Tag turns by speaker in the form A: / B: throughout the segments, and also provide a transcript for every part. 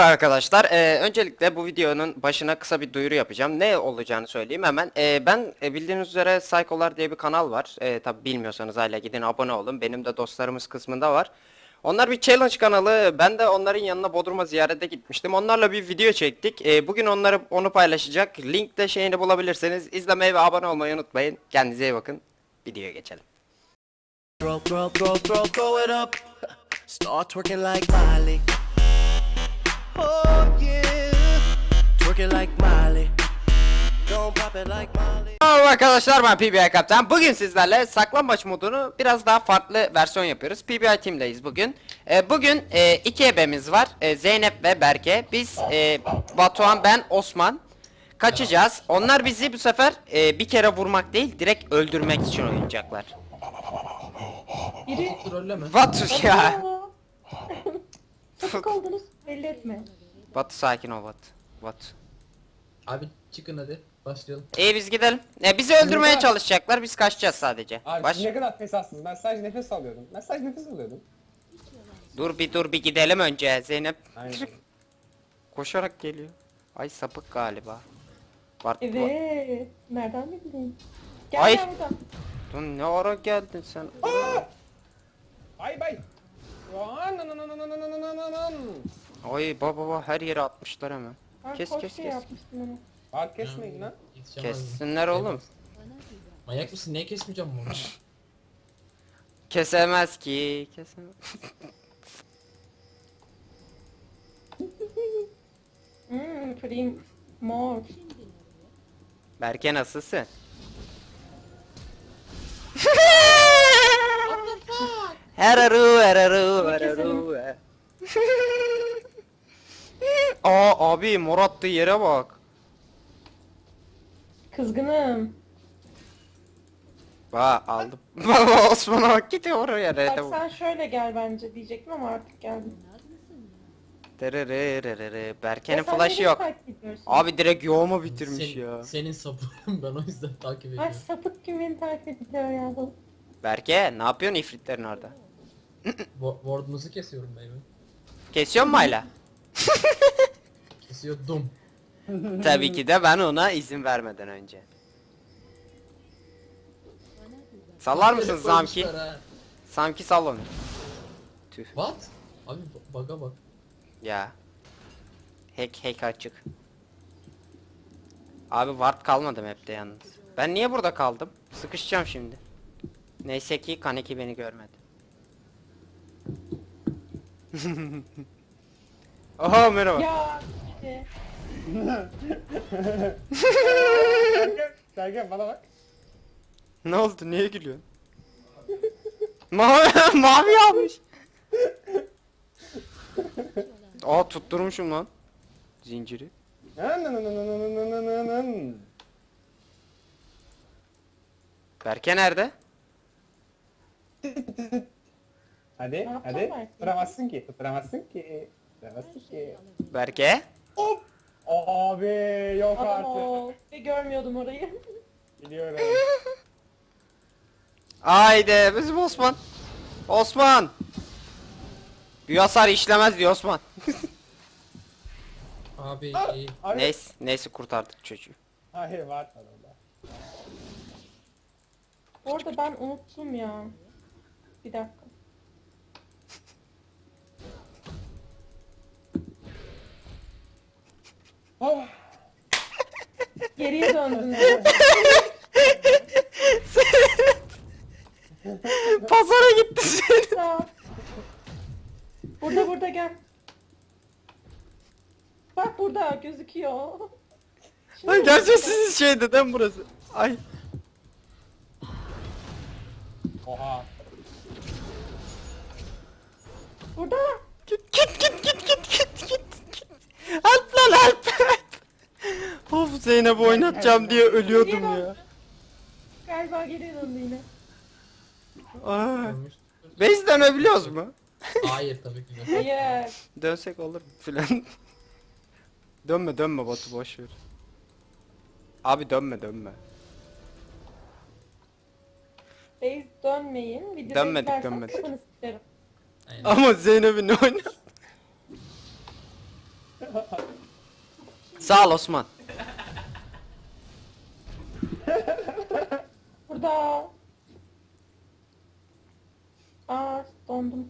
A: Arkadaşlar, öncelikle bu videonun başına kısa bir duyuru yapacağım. Ne olacağını söyleyeyim hemen. Ben bildiğiniz üzere Psycholar diye bir kanal var. Tabi bilmiyorsanız hala gidin abone olun. Benim de dostlarımız kısmında var. Onlar bir challenge kanalı. Ben de onların yanına Bodrum'a ziyarete gitmiştim. Onlarla bir video çektik. Bugün onu paylaşacak. Linkte şeyini bulabilirseniz izlemeyi ve abone olmayı unutmayın. Kendinize iyi bakın. Videoya geçelim.
B: Throw it up. Start twerking like Miley. Oh yeah. Twerking like Miley. Don't pop it like Miley.
A: Merhaba arkadaşlar, ben PBI Kaptan. Bugün sizlerle saklambaç modunu biraz daha farklı versiyon yapıyoruz. PBI Team'deyiz bugün. Bugün iki ebemiz var. Zeynep ve Berke. Biz Batuhan, ben, Osman kaçacağız. Onlar bizi bu sefer bir kere vurmak değil, direkt öldürmek için oynayacaklar.
C: Biri
D: Trolleme.
A: Batu ya.
C: sapık oldunuz belli etme.
A: Batu sakin ol Batu. Batu.
D: Abi çıkın hadi başlayalım.
A: İyi, biz gidelim. Bizi öldürmeye çalışacaklar. Biz kaçacağız sadece.
E: Abi
A: Baş.
E: siz ne kadar fesatsınız. Ben sadece nefes alıyordum.
A: Dur bir gidelim önce Zeynep.
E: Aynen.
A: Koşarak geliyor. Ay, sapık galiba. Bart,
C: Evet. Nereden bildin? Gel
A: Ay.
C: gel buradan.
A: Dur, ne ara geldin sen?
E: Bay bay.
A: Ay baba, her yere atmışlar hemen.
C: Ben
A: Kes
C: koş
A: kes
C: şey
A: kes.
C: yapmıştım onu.
E: Bak kesmeyin lan.
D: Yetişemez miyim?
A: Kessinler oğlum.
D: Manyak mısın? Niye kesmeyeceğim bunu?
A: Kesemez ki. Kesemez.
C: Pretty more.
A: Berke, nasılsın? Heraru. Abi, mor attığı yere bak.
C: Kızgınım.
A: Bak aldım. Baba, Osman'a bak, gidiyor oraya.
C: Bak
A: Rete
C: sen şöyle gel bence diyecektim ama artık geldin.
A: Berke'nin
C: Ya sen
A: flash'ı
C: nereye
A: yok.
C: takip ediyorsun?
A: Abi direkt yoğumu bitirmiş
D: Sen-
A: ya.
D: Senin sapığın ben o yüzden takip
C: Ay
D: ediyorum.
C: sapık gibi beni takip ediyor ya bu.
A: Berke, ne yapıyorsun ifritlerin orada?
D: Ward'unuzu kesiyorum baby.
A: Kesiyor mu hala?
D: Kesiyordum.
A: Tabii ki de ben ona izin vermeden önce. Sallar mısın
D: Herif
A: Samki?
D: koymuşlar ha.
A: Samki sal onu. Tüh
D: What? Abi baga bak.
A: ya. Hack açık. Abi ward kalmadım hepte yalnız. Ben niye burada kaldım? Sıkışacağım şimdi. Neyse ki Kaneki beni görmedi. Oha, merhaba.
C: Ya işte.
E: Sergen bana bak.
A: Ne oldu? Niye gülüyorsun? Mavi almış. Aa, tutturmuşum lan zinciri. Berke nerede?
E: Hadi
C: yapacağım
E: hadi.
C: belki?
E: Tutturamazsın ki.
A: Berke?
E: Hop. Abi yok
C: Adam
E: artık.
C: ol. Ve görmüyordum orayı.
E: Biliyorum.
A: Haydi bizim Osman. Osman. Bir hasar işlemez diyor Osman.
D: Abi iyi.
E: Abi.
A: Neyse kurtardık çocuğu.
E: Hayır var orada.
C: Orada ben unuttum ya. Bir dakika.
E: Oh.
C: Geriye döndüm.
A: Pazara gitti seni.
C: Sağ. Burada gel. Bak burada gözüküyor. Şimdi
A: Ay, gerçi sizin şeyde değil mi burası? Ay.
E: Oha.
C: Burada.
A: Git. Help lan, help. Of, Zeynep oynatacağım diye ölüyordum ya.
C: Galiba geriye döndü yine.
A: Ay.
D: Ölmüş.
A: Base dönebiliyoruz mu?
D: Hayır tabii ki de.
C: Hayır.
A: Dönsek olur mu filan. Dönme Batu, boş ver. Abi dönme.
C: Base dönmeyin. Videoda
A: Dönmedik,
C: izlersen
A: dönmedik.
C: kafanı sikerim.
D: Aynen.
A: Ama Zeynep'in oyna. Sağ ol Osman.
C: Burada. Aa dondum.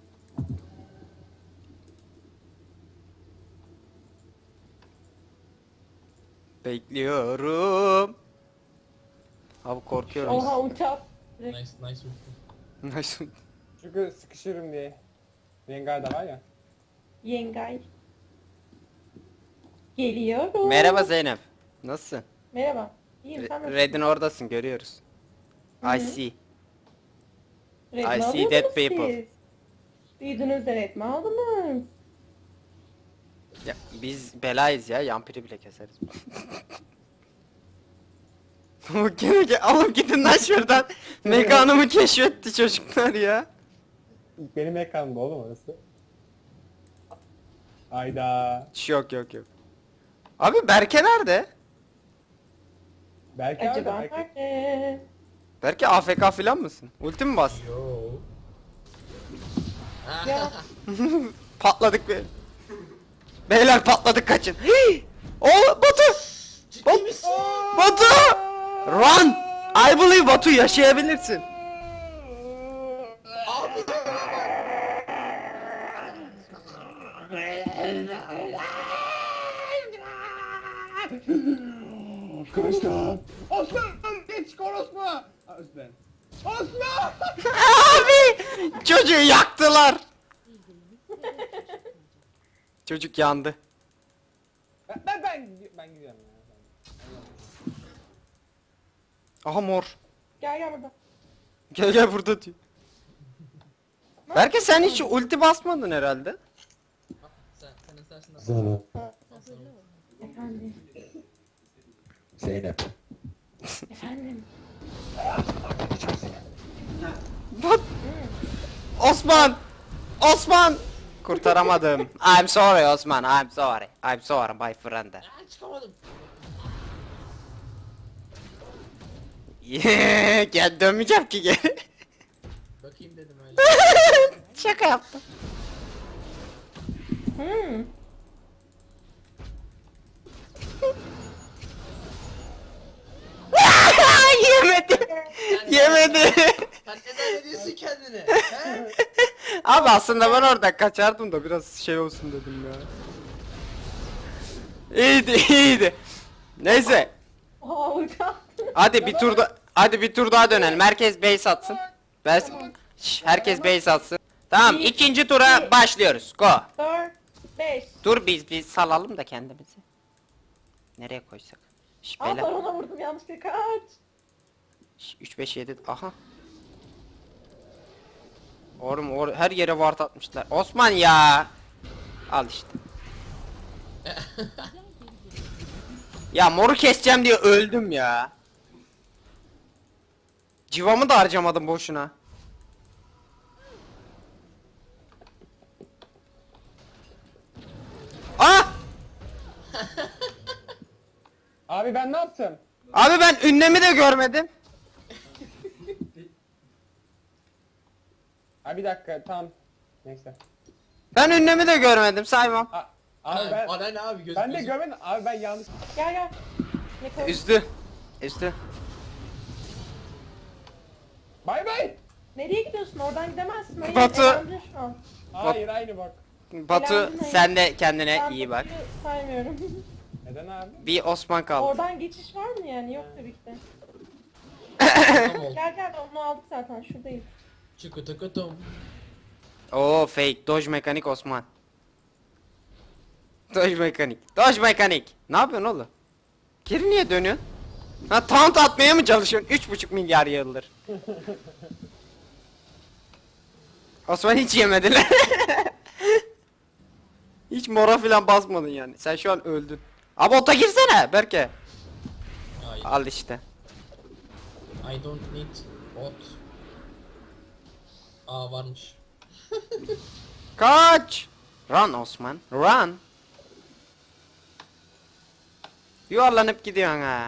A: Bekliyorum. Abi korkuyorum.
C: Oha ulti at.
D: Nice nice ulti.
A: Nasıl?
E: Çünkü sıkışırım diye. Rengar da var ya.
C: Yengay. Geliyorum.
A: Merhaba Zeynep. Nasılsın?
C: Merhaba. İyiyim sen nasılsın?
A: Red'in oradasın görüyoruz.
C: Hı
A: I
C: hı.
A: see.
C: Red
A: I
C: mi
A: see
C: alıyordunuz
A: dead people.
C: siz? Duydunuz da red mi aldınız?
A: Ya, biz belayız ya. Yampiri bile keseriz. Gene alıp gidin lan şuradan. Mekanımı keşfetti çocuklar ya.
E: Benim ekranımda oğlum orası. Ayda.
A: Yok. Abi Berke nerede?
E: Belki
C: Acaba
E: orada, belki.
C: nerede?
A: Berke AFK falan mısın? Ulti mi bastın?
D: Yo.
C: Ya
A: Patladık be. Beyler patladık kaçın. Hii! O Batu!
D: Ciddi misin?
A: Batu! Run! I believe Batu yaşayabilirsin.
D: Abi.
E: Kılıçlar. Osman! Geç konuşma! Osman. Osman!
A: Abi! Çocuğu yaktılar. Çocuk yandı.
E: Ben gidiyorum ya.
A: Aha mor.
C: gel burada.
A: Gel burada diyor. Berke sen hiç ulti basmadın herhalde.
D: Sen istersin de.
F: Zalo.
C: Efendim.
F: Zeynep.
C: Efendim.
A: Bak. Osman! Osman! Kurtaramadım. I'm sorry Osman. I'm sorry. I'm sorry my friend.
D: Aa, çıkamadım.
A: Gel dönmeyeceğim ki geri.
D: Bakayım dedim öyle.
A: Şaka yaptım.
C: Hmm.
A: Yemedi. Yemedi.
D: Sen neden ediyorsun kendini? He?
A: Abi aslında ben orada kaçardım da biraz şey olsun dedim ya. İyiydi. Neyse.
C: Oha ulti attın.
A: Hadi bir tur daha dönelim. Herkes base atsın. Herkes base atsın. Tamam,
C: Bir,
A: ikinci tura
C: iki.
A: başlıyoruz. Go.
C: 4, 5.
A: Dur biz salalım da kendimizi. Nereye koysak? Şş,
C: Aa
A: beyler.
C: barona vurdum yanlışlıkla kaç.
A: 3 5 7 aha. Oğlum her yere ward atmışlar. Osman ya. Al işte. Ya moru keseceğim diye öldüm ya. Civamı da harcamadım boşuna. Ah!
E: Abi ben ne yaptım?
A: Abi ben ünlemi de görmedim.
E: Abi bir dakika tamam. Neyse.
A: Ben ünlemi de görmedim saymam.
E: Abi ben
D: Bana ne abi göz
E: ben de görmedim. Abi ben yanlış.
C: Gel. Ne koy?
A: Üstü.
E: Bay bay.
C: Nereye gidiyorsun? Oradan gidemezsin. Hayır,
A: Batu.
C: elendin şu an.
E: Hayır aynı bak.
A: Batu
C: Elendin,
A: sen de kendine
C: Ben
A: iyi bak.
C: Batu'yu saymıyorum.
E: Neden abi?
A: Bir Osman kaldı.
C: Oradan geçiş var mı yani? Yok tabii ki de.
D: oldu.
C: Gel onu aldık zaten şuradayız.
D: Çıkıtıkıtım.
A: Oo fake. Dodge mekanik Osman. Dodge mekanik. Ne yapıyorsun oğlum? Geri niye dönüyorsun? Ha taunt atmaya mı çalışıyorsun? 3,5 milyar yıldır. Osman hiç yemediler. Hiç mora filan basmadın yani. Sen şu an öldün. Abi ota girsene Berke.
D: Hayır.
A: Al işte.
D: I don't need bot. Aa varmış.
A: Kaç. Run Osman. Run. Yuvarlanıp gidiyorsun ha.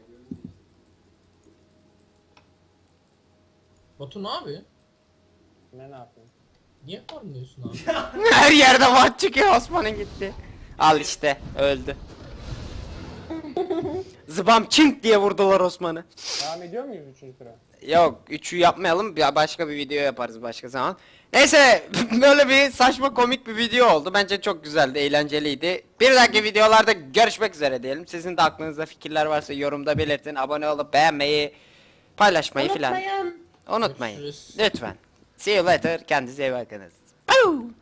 D: Batu ne yapıyor?
E: Ne yapayım?
D: Niye farmlıyorsun abi?
A: Her yerde vat çıkıyor, Osman'ın gitti. Al işte, öldü. Zıbam çink diye vurdular Osman'ı.
E: Devam ediyor muyuz 3. tura?
A: Yok, 3'ü yapmayalım, ya başka bir video yaparız başka zaman. Neyse, böyle bir saçma komik bir video oldu. Bence çok güzeldi, eğlenceliydi. Bir dahaki videolarda görüşmek üzere diyelim. Sizin de aklınızda fikirler varsa yorumda belirtin. Abone olup beğenmeyi, paylaşmayı filan
C: Unutmayın.
A: unutmayın.
D: Görüşürüz.
A: Lütfen. See you later. Kendinize iyi bakınız. Au!